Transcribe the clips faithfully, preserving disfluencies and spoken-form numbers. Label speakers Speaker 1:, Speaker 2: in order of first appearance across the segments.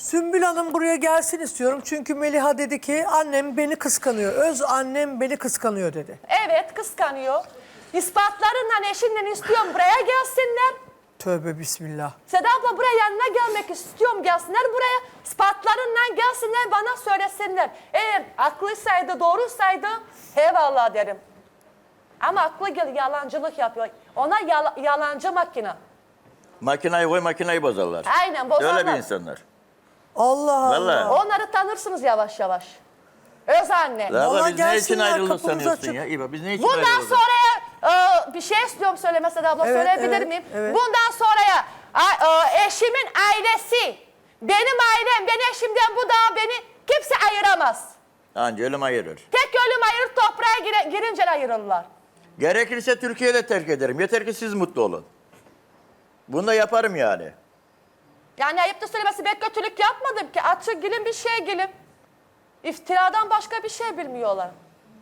Speaker 1: Sümbül Hanım buraya gelsin istiyorum. Çünkü Meliha dedi ki annem beni kıskanıyor. Öz annem beni kıskanıyor dedi.
Speaker 2: Evet, kıskanıyor. İspatlarından eşinden istiyorum buraya gelsinler.
Speaker 1: Tövbe bismillah.
Speaker 2: Seda abla buraya yanına gelmek istiyorum, gelsinler buraya. İspatlarından gelsinler, bana söylesinler. Eğer aklısaydı, doğrusaydı eyvallah derim. Ama aklı gel yalancılık yapıyor. Ona yala, yalancı makine.
Speaker 3: Makinayı koy, makinayı bozarlar.
Speaker 2: Aynen, bozarlar.
Speaker 3: Öyle bir insanlar.
Speaker 1: Allah Allah.
Speaker 3: Vallahi.
Speaker 2: Onları tanırsınız yavaş yavaş. Öz anne.
Speaker 3: La
Speaker 1: Vallahi
Speaker 3: abla, biz ne için
Speaker 1: gelsinler,
Speaker 3: ayrıldık
Speaker 1: kapımız
Speaker 3: sanıyorsun
Speaker 1: açık.
Speaker 3: ya? İyi bak, biz ne için
Speaker 2: Bundan
Speaker 3: ayrıldık?
Speaker 2: sonraya e, bir şey istiyorum söyleme Seda abla,
Speaker 1: Evet,
Speaker 2: söyleyebilir
Speaker 1: evet,
Speaker 2: miyim?
Speaker 1: evet.
Speaker 2: Bundan sonraya a- e, eşimin ailesi, benim ailem, ben eşimden bu da beni kimse ayıramaz.
Speaker 3: Anca ölüm ayırır.
Speaker 2: Tek ölüm ayırır, toprağa gire, girince ayırırlar.
Speaker 3: Gerekirse Türkiye'de terk ederim. Yeter ki siz mutlu olun. Bunu da yaparım yani.
Speaker 2: Yani ayıp da söylemesi, ben kötülük yapmadım ki. Açık gülüm, bir şey gülüm. İftiradan başka bir şey bilmiyorlar.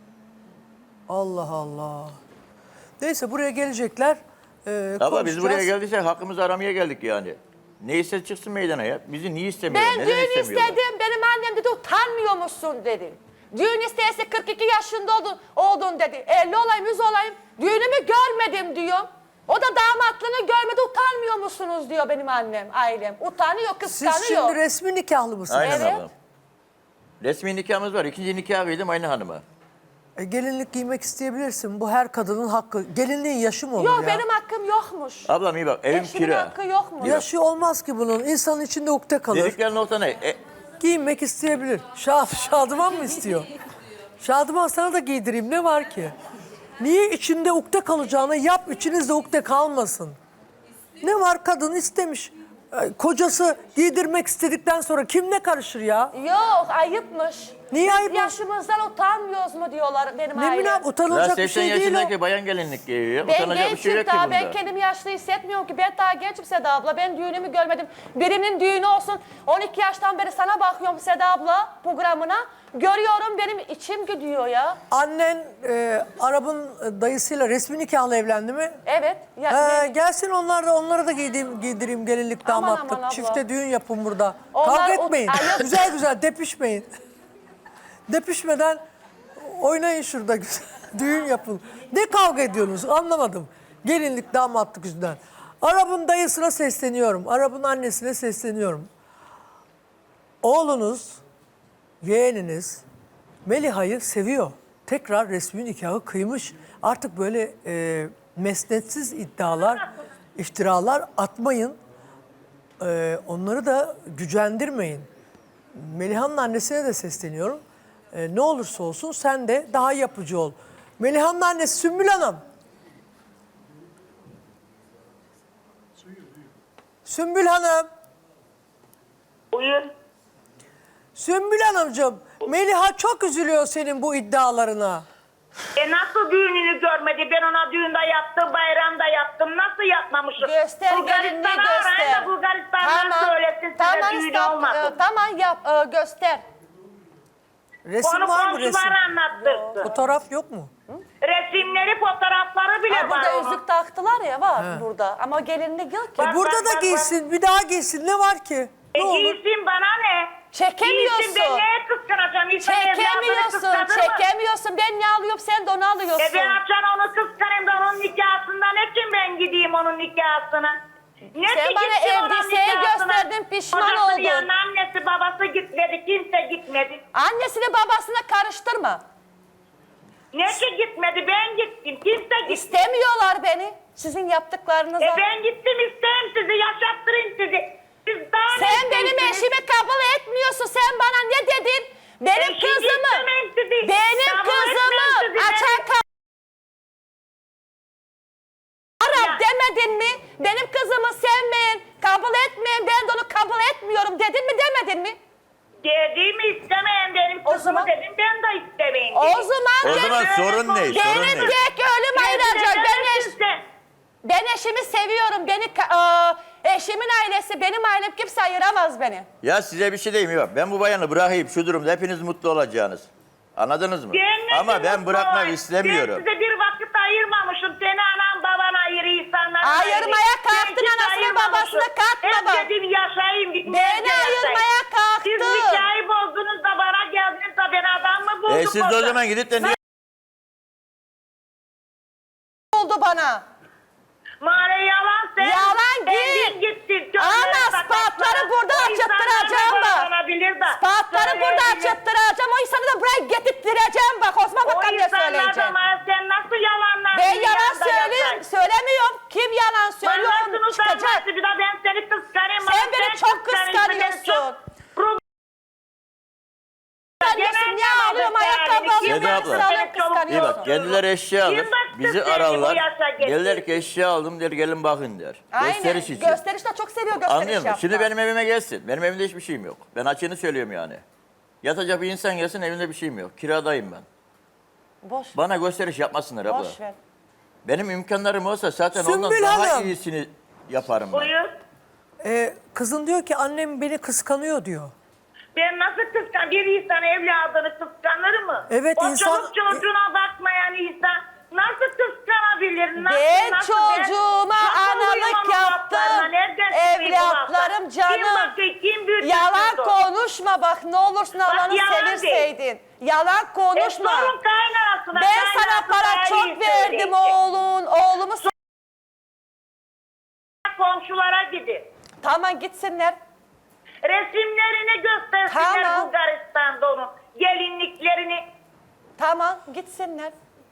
Speaker 1: Allah Allah. Neyse buraya gelecekler. Ee,
Speaker 3: Ama biz buraya
Speaker 1: konuşacağız.
Speaker 3: geldiysek hakkımızı aramaya geldik yani. Neyse çıksın meydana ya. Bizi niye istemiyorlar?
Speaker 2: Ben
Speaker 3: Neden
Speaker 2: düğün
Speaker 3: istemiyorlar?
Speaker 2: istedim, benim annem dedi utanmıyor musun dedi. Düğün isteyse kırk iki yaşında oldun, oldun dedi. elli olayım, yüz olayım, düğünümü görmedim diyor. O da damatlığını görmedi, utanmıyor musunuz diyor benim annem, ailem. Utanıyor, kıskanıyor.
Speaker 1: Siz şimdi resmi nikahlı mısınız?
Speaker 3: Aynen
Speaker 2: Evet.
Speaker 3: ablam. Resmi nikahımız var. İkinci nikah kıydım aynı hanıma.
Speaker 1: E, gelinlik giymek isteyebilirsin. Bu her kadının hakkı. Gelinliğin yaşı mı olur
Speaker 2: Yok
Speaker 1: ya?
Speaker 2: benim hakkım yokmuş.
Speaker 3: Ablam iyi bak, evim
Speaker 2: Eşimin
Speaker 3: kira.
Speaker 2: hakkı yokmuş.
Speaker 1: Yaşı olmaz ki bunun. İnsanın içinde ukde kalır.
Speaker 3: Dedikleri nokta ne? E,
Speaker 1: Giyinmek isteyebilir. Şad, Şadıman mı istiyor? Şadıman sana da giydireyim. Ne var ki? Niye içinde ukde kalacağını yap, içinizde ukde kalmasın. Ne var, kadın istemiş. E, Kocası giydirmek istedikten sonra kim ne karışır ya?
Speaker 2: Yok ayıpmış.
Speaker 1: Niye
Speaker 2: Biz
Speaker 1: ayıp?
Speaker 2: yaşımızdan utanmıyoruz mu diyorlar benim
Speaker 1: Ne
Speaker 2: ailem.
Speaker 1: münasebet,
Speaker 3: la
Speaker 1: utanılacak bir
Speaker 3: seksen
Speaker 1: şey değil o.
Speaker 3: yaşındaki bayan gelinlik giyiyor.
Speaker 2: Ben
Speaker 3: Utanacak bir şey
Speaker 2: gençim
Speaker 3: yok ki
Speaker 2: daha,
Speaker 3: bunda.
Speaker 2: ben kendimi yaşlı hissetmiyorum ki. Ben daha gençim Seda abla, ben düğünümü görmedim. Birinin düğünü olsun, on iki yaştan beri sana bakıyorum Seda abla programına. Görüyorum, benim içim gidiyor ya.
Speaker 1: Annen e, Arap'ın dayısıyla resmi nikahla evlendi mi?
Speaker 2: Evet. Ya,
Speaker 1: Ee,
Speaker 2: ben-
Speaker 1: gelsin onlar da onlara da giydireyim, giydireyim gelinlik
Speaker 2: Aman
Speaker 1: damatlık.
Speaker 2: aman abla.
Speaker 1: Çifte düğün yapın burada.
Speaker 2: Onlar
Speaker 1: Kavga
Speaker 2: o-
Speaker 1: etmeyin.
Speaker 2: Ay, yok.
Speaker 1: Güzel güzel depişmeyin. Depişmeden oynayın şurada güzel. Düğün yapın. Ne kavga ediyorsunuz anlamadım. Gelinlik damatlık yüzünden. Arap'ın dayısına sesleniyorum. Arap'ın annesine sesleniyorum. Oğlunuz, yeğeniniz Meliha'yı seviyor. Tekrar resmi nikahı kıymış. Artık böyle e, mesnetsiz iddialar, iftiralar atmayın. E, onları da gücendirmeyin. Meliha'nın annesine de sesleniyorum. E, ne olursa olsun sen de daha yapıcı ol. Meliha'nın annesi Sümbül Hanım. Sümbül Hanım.
Speaker 4: Buyur.
Speaker 1: Sümbül Hanımcığım, Meliha çok üzülüyor senin bu iddialarına.
Speaker 4: E nasıl düğününü görmedi? Ben ona düğünde yaptım, bayramda yaptım. Nasıl yapmamışım?
Speaker 2: Göster gelinliği
Speaker 4: Bulgaristan'a arayın
Speaker 2: göster.
Speaker 4: da Bulgaristan'dan söylesin size düğünü
Speaker 2: İstanbul-
Speaker 4: olmasın.
Speaker 2: e, tamam yap, e, göster.
Speaker 1: Resim
Speaker 4: Onu
Speaker 1: var mı resim?
Speaker 4: komşular anlattırsın.
Speaker 1: Fotoğraf yok mu?
Speaker 4: Resimleri, fotoğrafları bile
Speaker 2: Ha,
Speaker 4: var
Speaker 2: burada
Speaker 4: onun.
Speaker 2: yüzük taktılar ya, var burada. Ama gelinlik yok ki.
Speaker 4: Bak,
Speaker 1: E burada
Speaker 4: bak,
Speaker 1: da
Speaker 4: bak,
Speaker 1: giysin, bir daha giysin. Ne var ki?
Speaker 4: E
Speaker 1: Ne olur?
Speaker 4: giysin bana ne?
Speaker 2: Çekemiyorsun.
Speaker 4: Giysin, ben neye kıskanacağım? İnsan evladını
Speaker 2: Çekemiyorsun,
Speaker 4: kıskanır mı?
Speaker 2: çekemiyorsun. Ben ne alıyorum, sen de onu alıyorsun.
Speaker 4: E ben açan onu kıskanayım da onun nikahından ne için ben gideyim onun nikahına? Ne
Speaker 2: Sen
Speaker 4: ki
Speaker 2: bana
Speaker 4: gitsin onun
Speaker 2: elbiseyi
Speaker 4: nikahına?
Speaker 2: gösterdin, pişman
Speaker 4: Kocasının
Speaker 2: oldun.
Speaker 4: yanına annesi babası gitmedi, kimse gitmedi.
Speaker 2: Annesini babasına karıştırma.
Speaker 4: Ne ki gitmedi, ben gittim, kimse gitmedi.
Speaker 2: İstemiyorlar beni. Sizin yaptıklarınıza.
Speaker 4: E ben gittim, isteyeyim sizi, yaşattırayım sizi. Siz daha ne
Speaker 2: Sen benim
Speaker 4: istiyorsunuz?
Speaker 2: eşimi kabul etmiyorsun. Sen bana ne dedin? Benim
Speaker 4: E, şimdi
Speaker 2: kızımı,
Speaker 4: istemem sizi.
Speaker 2: benim
Speaker 4: Kabul
Speaker 2: kızımı
Speaker 4: etmem sizi.
Speaker 2: açan
Speaker 4: Ben-
Speaker 2: ka- Arap
Speaker 4: Ya-
Speaker 2: demedin mi? Benim kızımı sevmeyin, kabul etmeyin, ben de onu kabul etmiyorum dedin mi, demedin mi?
Speaker 4: Dediğimi istemeyen benim
Speaker 2: O
Speaker 4: kızımı
Speaker 2: zaman-
Speaker 4: dedim, ben de istemeyin
Speaker 2: O
Speaker 4: dedim.
Speaker 2: zaman,
Speaker 3: O
Speaker 2: ben-
Speaker 3: zaman sorun ne? Sorun
Speaker 2: benim
Speaker 3: ne?
Speaker 2: tek ölüm ayıracak. Ben, eş,
Speaker 4: Sen.
Speaker 2: ben eşimi seviyorum. Beni ka- e, eşimin ailesi, benim ailem, kimse ayıramaz beni.
Speaker 3: Ya size bir şey diyeyim yok. Ben bu bayanı bırakayım şu durumda hepiniz mutlu olacaksınız. Anladınız mı?
Speaker 4: Cennetin
Speaker 3: Ama ben
Speaker 4: mutlu
Speaker 3: bırakmak
Speaker 4: ol.
Speaker 3: istemiyorum.
Speaker 4: Ben size bir vakit ayırmamışım. Seni anan baban ayırı, insanlar
Speaker 2: Ayırmaya kalktın, anasını babasını katma bak.
Speaker 4: Hep dedim yaşayayım.
Speaker 2: Beni ayırmaya kalktın.
Speaker 3: E siz de o
Speaker 4: orada.
Speaker 3: zaman gidip de niye...
Speaker 2: oldu bana.
Speaker 4: Mare yalan sen.
Speaker 2: Yalan
Speaker 4: Kendin
Speaker 2: git.
Speaker 4: gittin.
Speaker 2: Ama ispatları burada açıttıracağım bak. İspatları burada açıttıracağım. O insanı da buraya getirttireceğim bak. Osman
Speaker 4: O
Speaker 2: bakalım ne
Speaker 4: insanlardan
Speaker 2: söyleyeceğim.
Speaker 4: Mare sen nasıl yalanlar?
Speaker 2: Ben
Speaker 4: bir
Speaker 2: yalan
Speaker 4: yanda
Speaker 2: söylüyorum.
Speaker 4: yaparsın?
Speaker 2: Söylemiyorum. Kim yalan söylüyor
Speaker 4: Ben
Speaker 2: onu
Speaker 4: nasıl
Speaker 2: çıkacak.
Speaker 4: utanmazsın? Bir daha ben seni kıskanayım.
Speaker 2: Sen
Speaker 4: Ama
Speaker 2: beni çok
Speaker 4: kıskanıyorsun, beni
Speaker 2: kıskanıyorsun.
Speaker 4: çok- Pro-
Speaker 2: Kıskanıyorsun. Niye alıyorum ayakkabı alıyorum.
Speaker 3: Seda
Speaker 2: Ben
Speaker 3: abla.
Speaker 2: sana
Speaker 3: İyi bak
Speaker 2: kıskanıyorsun.
Speaker 3: kendileri eşya alır.
Speaker 4: Kim baktı
Speaker 3: Bizi
Speaker 4: seni bu
Speaker 3: ararlar.
Speaker 4: yaşa getirdi?
Speaker 3: Gelirler ki eşya aldım der gelin bakın der.
Speaker 2: Aynen.
Speaker 3: Gösteriş için.
Speaker 2: Gösteriş de çok seviyor gösteriş
Speaker 3: Anlıyor musun?
Speaker 2: yapmak.
Speaker 3: Şimdi benim evime gelsin. Benim evimde hiçbir şeyim yok. Ben açığını söylüyorum yani. Yatacak bir insan gelsin evimde bir şeyim yok. Kiradayım ben.
Speaker 2: Boş.
Speaker 3: Bana gösteriş yapmasınlar abla.
Speaker 2: Boş ver.
Speaker 3: Benim imkanlarım olsa zaten ondan
Speaker 1: Sümbül
Speaker 3: daha
Speaker 1: Hanım.
Speaker 3: iyisini yaparım ben.
Speaker 4: Buyur.
Speaker 1: Ee, kızın diyor ki annem beni kıskanıyor diyor.
Speaker 4: Ben nasıl kıskan? Bir insan evladını kıskanır mı?
Speaker 1: Evet,
Speaker 4: o
Speaker 1: insan-
Speaker 4: çoluk çocuğuna bakmayan insan nasıl kıskanabilir? Nasıl,
Speaker 2: Ben
Speaker 4: nasıl,
Speaker 2: çocuğuma
Speaker 4: nasıl
Speaker 2: analık
Speaker 4: uyumam o laflarına?
Speaker 2: yaptım.
Speaker 4: Nereden çıkıyor bu
Speaker 2: Evlatlarım
Speaker 4: laflar?
Speaker 2: canım.
Speaker 4: Kim bakıyor? Kim büyütüyor?
Speaker 2: Yalan konuşma bak ne olursun Allah'ını
Speaker 4: yalan
Speaker 2: severseydin. Yalan
Speaker 4: E
Speaker 2: konuşma.
Speaker 4: sorun kaynanasına.
Speaker 2: Ben sana
Speaker 4: kaynanası
Speaker 2: para
Speaker 4: daha iyi
Speaker 2: çok verdim
Speaker 4: söyleyecek.
Speaker 2: oğlun. Oğlumu s-
Speaker 4: Komşulara gidin.
Speaker 2: Tamam gitsinler.
Speaker 4: Resimlerini göstersinler
Speaker 2: Tamam.
Speaker 4: Bulgaristan'da onun. Gelinliklerini.
Speaker 2: Tamam gitsinler.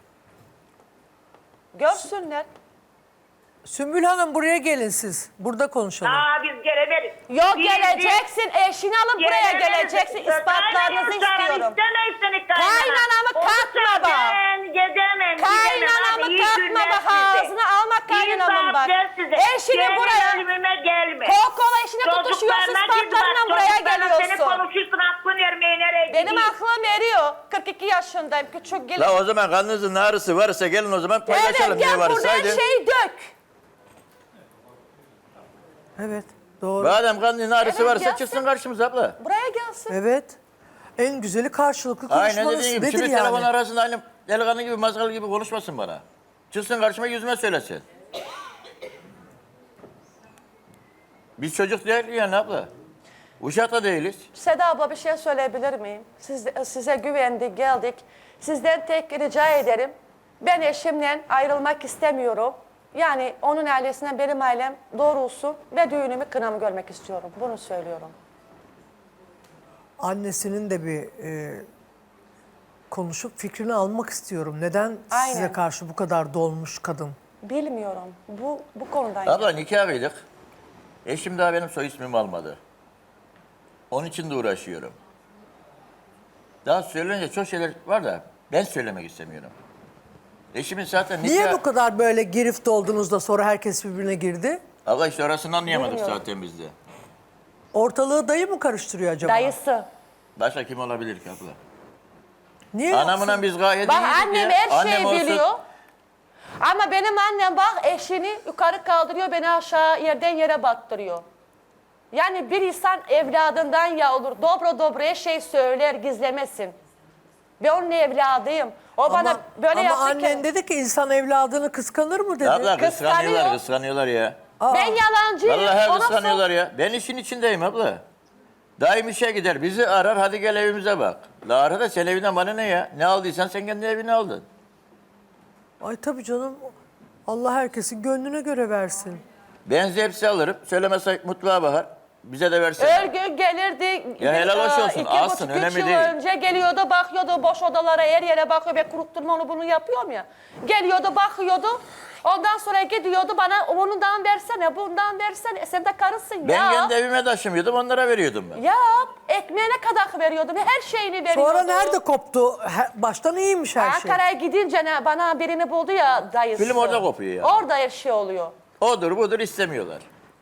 Speaker 2: Görsünler.
Speaker 1: Sümbül Hanım buraya gelin siz. Burada konuşalım.
Speaker 4: Aa biz gelemeyiz.
Speaker 2: Yok
Speaker 4: Biz-
Speaker 2: geleceksin eşini alıp buraya
Speaker 4: Gelemeyiz.
Speaker 2: geleceksin. İspatlarınızı
Speaker 4: Kaynanamı
Speaker 2: istiyorum.
Speaker 4: istemeyiz seni kaynana.
Speaker 2: Kaynanamı katma
Speaker 4: Olursa
Speaker 2: bak.
Speaker 4: Ben gidemem.
Speaker 2: Kaynanamı
Speaker 4: gidemem. Hadi iyi
Speaker 2: katma
Speaker 4: günler
Speaker 2: bak
Speaker 4: size.
Speaker 2: ağzına alma
Speaker 4: İyi
Speaker 2: kaynanamın bak.
Speaker 4: saatler size.
Speaker 2: Eşini
Speaker 4: Gelin
Speaker 2: buraya.
Speaker 4: ölümüme gelme.
Speaker 2: Kokola eşine tutuşuyorsun
Speaker 4: Çocuklarına git bak,
Speaker 2: ispatlarından buraya
Speaker 4: çocuklarına Seni
Speaker 2: geliyorsun.
Speaker 4: konuşursun aklın ermeği nereye
Speaker 2: Benim
Speaker 4: gidiyor?
Speaker 2: aklım eriyor. kırk iki yaşındayım küçük gelin.
Speaker 3: La o zaman kanınızın ağrısı varsa gelin o zaman paylaşalım
Speaker 2: Evet
Speaker 3: ne
Speaker 2: gel
Speaker 3: varsa.
Speaker 2: burada her
Speaker 3: Haydi.
Speaker 2: şeyi dök.
Speaker 1: Evet doğru.
Speaker 3: Madem kanının ağrısı
Speaker 2: Evet,
Speaker 3: varsa
Speaker 2: gelsin.
Speaker 3: çıksın karşımıza abla.
Speaker 2: Buraya gelsin.
Speaker 1: Evet. En güzeli karşılıklı
Speaker 3: Aynen
Speaker 1: konuşmanız
Speaker 3: dediğin gibi.
Speaker 1: nedir
Speaker 3: Şimdi
Speaker 1: yani?
Speaker 3: telefon arasında aynı delikanlı gibi mazgal gibi konuşmasın bana. Çıksın karşıma yüzüme söylesin. Biz çocuk değil yani abla. Uşak da değiliz.
Speaker 2: Seda abla bir şey söyleyebilir miyim? Siz, size güvendik, geldik. Sizden tek rica ederim. Ben eşimle ayrılmak istemiyorum. Yani onun ailesinden benim ailem doğrulsun ve düğünümü kınamı görmek istiyorum. Bunu söylüyorum.
Speaker 1: Annesinin de bir e, konuşup fikrini almak istiyorum. Neden
Speaker 2: Aynen.
Speaker 1: size karşı bu kadar dolmuş kadın?
Speaker 2: Bilmiyorum. Bu bu konudan.
Speaker 3: Abla nikah kıydık. Eşim daha benim soy ismimi almadı. Onun için de uğraşıyorum. Daha söylenince çok şeyler var da ben söylemek istemiyorum. Eşimin zaten nikah...
Speaker 1: Niye bu kadar böyle girift oldunuz da sonra herkes birbirine girdi?
Speaker 3: Abla işte orasını anlayamadık
Speaker 2: Bilmiyorum.
Speaker 3: zaten biz de.
Speaker 1: Ortalığı dayı mı karıştırıyor acaba?
Speaker 2: Dayısı.
Speaker 3: Başka kim olabilir ki abla?
Speaker 1: Niye
Speaker 3: Anamla
Speaker 1: yoksa?
Speaker 3: biz gayet
Speaker 2: Bak
Speaker 3: iyiydik
Speaker 2: annem
Speaker 3: ya.
Speaker 2: her
Speaker 3: Annem
Speaker 2: şeyi
Speaker 3: olsun-
Speaker 2: biliyor. Ama benim annem bak eşini yukarı kaldırıyor, beni aşağı yerden yere baktırıyor. Yani bir insan evladından ya olur. Dobro dobro her şey söyler, gizlemesin. Ben onun evladıyım. O bana
Speaker 1: Ama,
Speaker 2: böyle
Speaker 1: ama
Speaker 2: yaptı
Speaker 1: annen
Speaker 2: ki.
Speaker 1: dedi ki insan evladını kıskanır mı dedi.
Speaker 3: Abla
Speaker 2: Kıskanıyor.
Speaker 3: kıskanıyorlar, kıskanıyorlar ya.
Speaker 2: Ben yalancıyım.
Speaker 3: Vallahi
Speaker 2: Ona
Speaker 3: kıskanıyorlar ya. Ben işin içindeyim abla. Daim işe gider, bizi arar, hadi gel evimize bak. La arada sen evinden bana ne ya? Ne aldıysan sen kendi evine aldın.
Speaker 1: Ay tabii canım. Allah herkesin gönlüne göre versin.
Speaker 3: Ben hepsi alırım, söylemezsek mutfağa bakar. Bize de versin.
Speaker 2: Örgü gelirdi.
Speaker 3: Ya helal hoş
Speaker 2: e,
Speaker 3: olsun,
Speaker 2: iki
Speaker 3: alsın,
Speaker 2: buçuk, üç
Speaker 3: önemli
Speaker 2: yıl
Speaker 3: değil.
Speaker 2: önce geliyordu, bakıyordu boş odalara, her yere bakıyor. Ben kurutturma onu bunu yapıyorum ya. Geliyordu, bakıyordu. Ondan sonra gidiyordu bana bundan versene, bundan versene. E sen de karısın
Speaker 3: Ben
Speaker 2: ya.
Speaker 3: kendi evime taşımıyordum, onlara veriyordum ben.
Speaker 2: Ya ekmeğine kadar veriyordum, her şeyini veriyordu.
Speaker 1: Sonra nerede koptu? He- Baştan iyiymiş her şey.
Speaker 2: Ankara'ya gidince ne, bana birini buldu ya dayısı.
Speaker 3: Film orada kopuyor ya.
Speaker 2: Orada her şey oluyor.
Speaker 3: Odur budur istemiyorlar.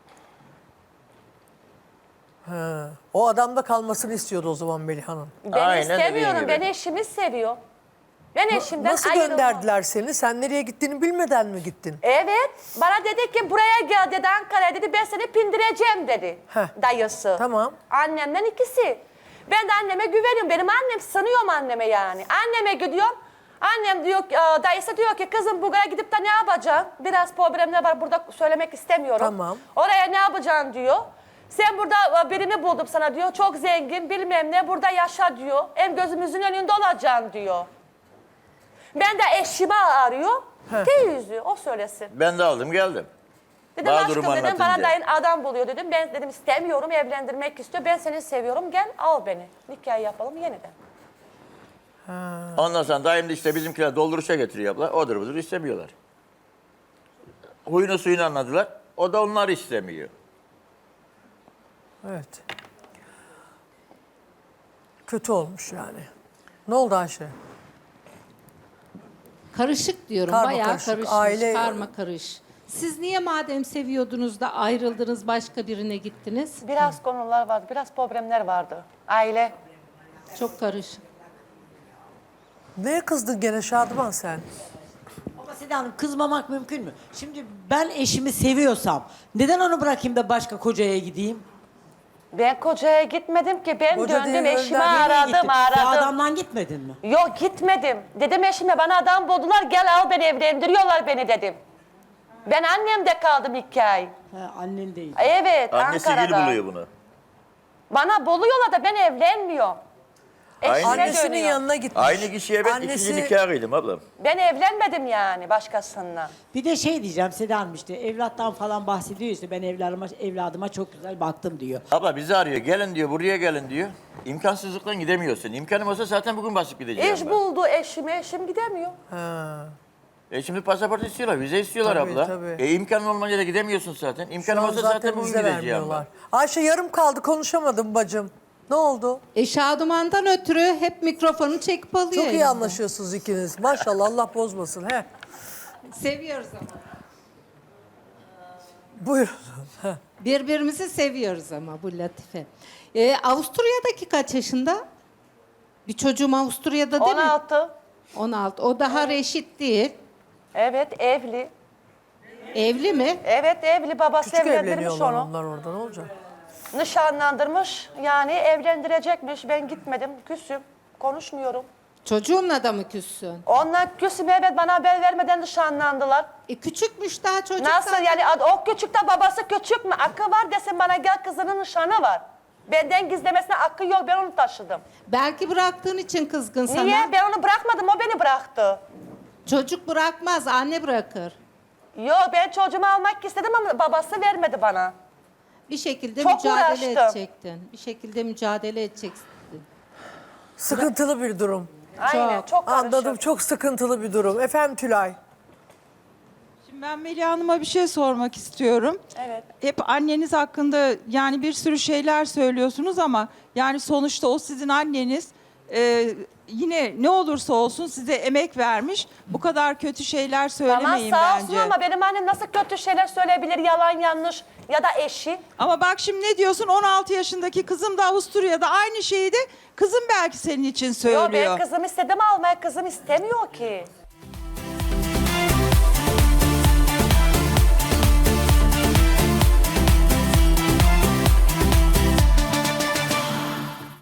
Speaker 1: Ha. O adamda kalmasını istiyordu o zaman Melih Hanım.
Speaker 2: Ben
Speaker 3: Aynen dediğin
Speaker 2: istemiyorum,
Speaker 3: gibi.
Speaker 2: ben eşimi seviyor. Ben eşimden
Speaker 1: Nasıl
Speaker 2: ayrılmam.
Speaker 1: gönderdiler seni? Sen nereye gittiğini bilmeden mi gittin?
Speaker 2: Evet. Bana dedi ki buraya gel dedi Ankara'ya dedi ben seni pindireceğim dedi
Speaker 1: Heh.
Speaker 2: dayısı.
Speaker 1: Tamam.
Speaker 2: Annemden ikisi. Ben de anneme güveniyorum. Benim annem sanıyorum anneme yani. Anneme gidiyorum. Annem diyor ki, e, dayısı diyor ki kızım buraya gidip de ne yapacaksın? Biraz problemler var burada söylemek istemiyorum.
Speaker 1: Tamam.
Speaker 2: Oraya ne yapacaksın diyor. Sen burada e, birini buldum sana diyor. Çok zengin bilmem ne burada yaşa diyor. Hem gözümüzün önünde olacaksın diyor. Ben de eşimi arıyor. Teyze o söylesin.
Speaker 3: Ben de aldım geldim.
Speaker 2: Dedim
Speaker 3: Bana
Speaker 2: aşkım
Speaker 3: durumu
Speaker 2: dedim bana
Speaker 3: anlatınca.
Speaker 2: dayın adam buluyor dedim. Ben dedim istemiyorum evlendirmek istiyor. Ben seni seviyorum gel al beni. Nikah yapalım yeniden.
Speaker 3: Ondan sonra dayım da işte bizimkiler dolduruşa getiriyor abla. Odur budur istemiyorlar. Huyunu suyunu anladılar. O da onlar istemiyor.
Speaker 1: Evet. Kötü olmuş yani. Ne oldu Ayşe?
Speaker 5: Karışık diyorum.
Speaker 1: Karma
Speaker 5: Bayağı
Speaker 1: karışık,
Speaker 5: karışmış.
Speaker 1: aile-
Speaker 5: Karma karış. Siz niye madem seviyordunuz da ayrıldınız başka birine gittiniz?
Speaker 2: Biraz konular vardı. Biraz problemler vardı. Aile.
Speaker 5: Çok karışık.
Speaker 1: Neye kızdın gene Şadıman sen?
Speaker 6: Ama Seda Hanım kızmamak mümkün mü? Şimdi ben eşimi seviyorsam neden onu bırakayım da başka kocaya gideyim?
Speaker 2: Ben kocaya gitmedim ki. Ben
Speaker 1: Koca
Speaker 2: döndüm
Speaker 1: değil,
Speaker 2: eşimi
Speaker 1: önden nereye
Speaker 2: aradım
Speaker 6: Gittin. Bu
Speaker 2: aradım.
Speaker 6: adamdan gitmedin mi?
Speaker 2: Yok gitmedim. Dedim eşime bana adam buldular gel al beni evlendiriyorlar beni dedim. Ben annemde kaldım iki ay.
Speaker 6: He, annen değil.
Speaker 2: Evet
Speaker 3: Annesi
Speaker 2: Ankara'da.
Speaker 3: gel buluyor bunu.
Speaker 2: Bana buluyorlar da ben evlenmiyorum.
Speaker 3: Aynı-
Speaker 2: Eşime
Speaker 1: Annesinin
Speaker 2: dönüyor.
Speaker 1: yanına gitmiş.
Speaker 3: Aynı kişiye ben
Speaker 1: Annesi-
Speaker 3: ikinci nikah kıydım ablam.
Speaker 2: Ben evlenmedim yani başkasından.
Speaker 6: Bir de şey diyeceğim Seda Hanım işte evlattan falan bahsediyor işte ben evladıma, evladıma çok güzel baktım diyor.
Speaker 3: Abla bizi arıyor. Gelin diyor, buraya gelin diyor. İmkansızlıktan gidemiyorsun. İmkanım olsa zaten bugün basıp gideceğim
Speaker 2: İş
Speaker 3: ben.
Speaker 2: buldu eşim, eşim gidemiyor.
Speaker 1: Ha.
Speaker 3: E şimdi pasaport istiyorlar, vize istiyorlar
Speaker 1: Tabii,
Speaker 3: abla.
Speaker 1: tabii.
Speaker 3: E imkanın olmayınca da gidemiyorsun zaten.
Speaker 1: Şu
Speaker 3: İmkanım
Speaker 1: an
Speaker 3: olsa
Speaker 1: zaten
Speaker 3: zaten bugün
Speaker 1: bize
Speaker 3: gideceğim
Speaker 1: vermiyorlar.
Speaker 3: ben.
Speaker 1: Ayşe yarım kaldı konuşamadım bacım. Ne oldu?
Speaker 5: E Şaduman'dan ötürü hep mikrofonu çekip alıyor.
Speaker 1: Çok iyi
Speaker 5: elimden.
Speaker 1: anlaşıyorsunuz ikiniz. Maşallah Allah bozmasın. He.
Speaker 5: Seviyoruz ama.
Speaker 1: Buyurun.
Speaker 5: Birbirimizi seviyoruz ama bu latife. E, Avusturya'daki kaç yaşında? Bir çocuğum Avusturya'da değil
Speaker 2: on
Speaker 5: mi?
Speaker 2: altı.
Speaker 5: on altı. O daha reşit değil.
Speaker 2: Evet evli.
Speaker 5: Evli mi?
Speaker 2: Evet evli babası
Speaker 1: Küçük
Speaker 2: evlendirmiş
Speaker 1: evleniyorlar
Speaker 2: onu.
Speaker 1: onlar orada ne olacak?
Speaker 2: Nişanlandırmış yani evlendirecekmiş. Ben gitmedim küsüm. Konuşmuyorum.
Speaker 5: Çocuğunla da mı küssün?
Speaker 2: Onlar küsüm evet bana haber vermeden nişanlandılar.
Speaker 5: E küçükmüş daha çocuk.
Speaker 2: Nasıl
Speaker 5: zaten.
Speaker 2: yani ad- o küçük de babası küçük mü? Akı var desin bana gel kızının nişanı var. Benden gizlemesine akı yok ben onu taşıdım.
Speaker 5: Belki bıraktığın için kızgın sana.
Speaker 2: Niye? Ben onu bırakmadım o beni bıraktı.
Speaker 5: Çocuk bırakmaz, anne bırakır.
Speaker 2: Yok ben çocuğumu almak istedim ama babası vermedi bana.
Speaker 5: Bir şekilde
Speaker 2: Çok
Speaker 5: mücadele
Speaker 2: uğraştım.
Speaker 5: edecektin. Bir şekilde mücadele edeceksin.
Speaker 1: Sıkıntılı bir durum.
Speaker 2: Aynen çok karışık.
Speaker 1: Anladım çok sıkıntılı bir durum. Efendim Tülay.
Speaker 7: Şimdi ben Melih Hanım'a bir şey sormak istiyorum.
Speaker 2: Evet.
Speaker 7: Hep anneniz hakkında yani bir sürü şeyler söylüyorsunuz ama yani sonuçta o sizin anneniz. Ee, yine ne olursa olsun size emek vermiş. Bu kadar kötü şeyler
Speaker 2: Tamam
Speaker 7: söylemeyin
Speaker 2: sağ olsun
Speaker 7: bence.
Speaker 2: ama benim annem nasıl kötü şeyler söyleyebilir yalan yanlış ya da eşi.
Speaker 7: Ama bak şimdi ne diyorsun? on altı yaşındaki kızım da Avusturya'da aynı şeyi de kızım belki senin için söylüyor.
Speaker 2: Yok ben kızım istedim almaya kızım istemiyor ki.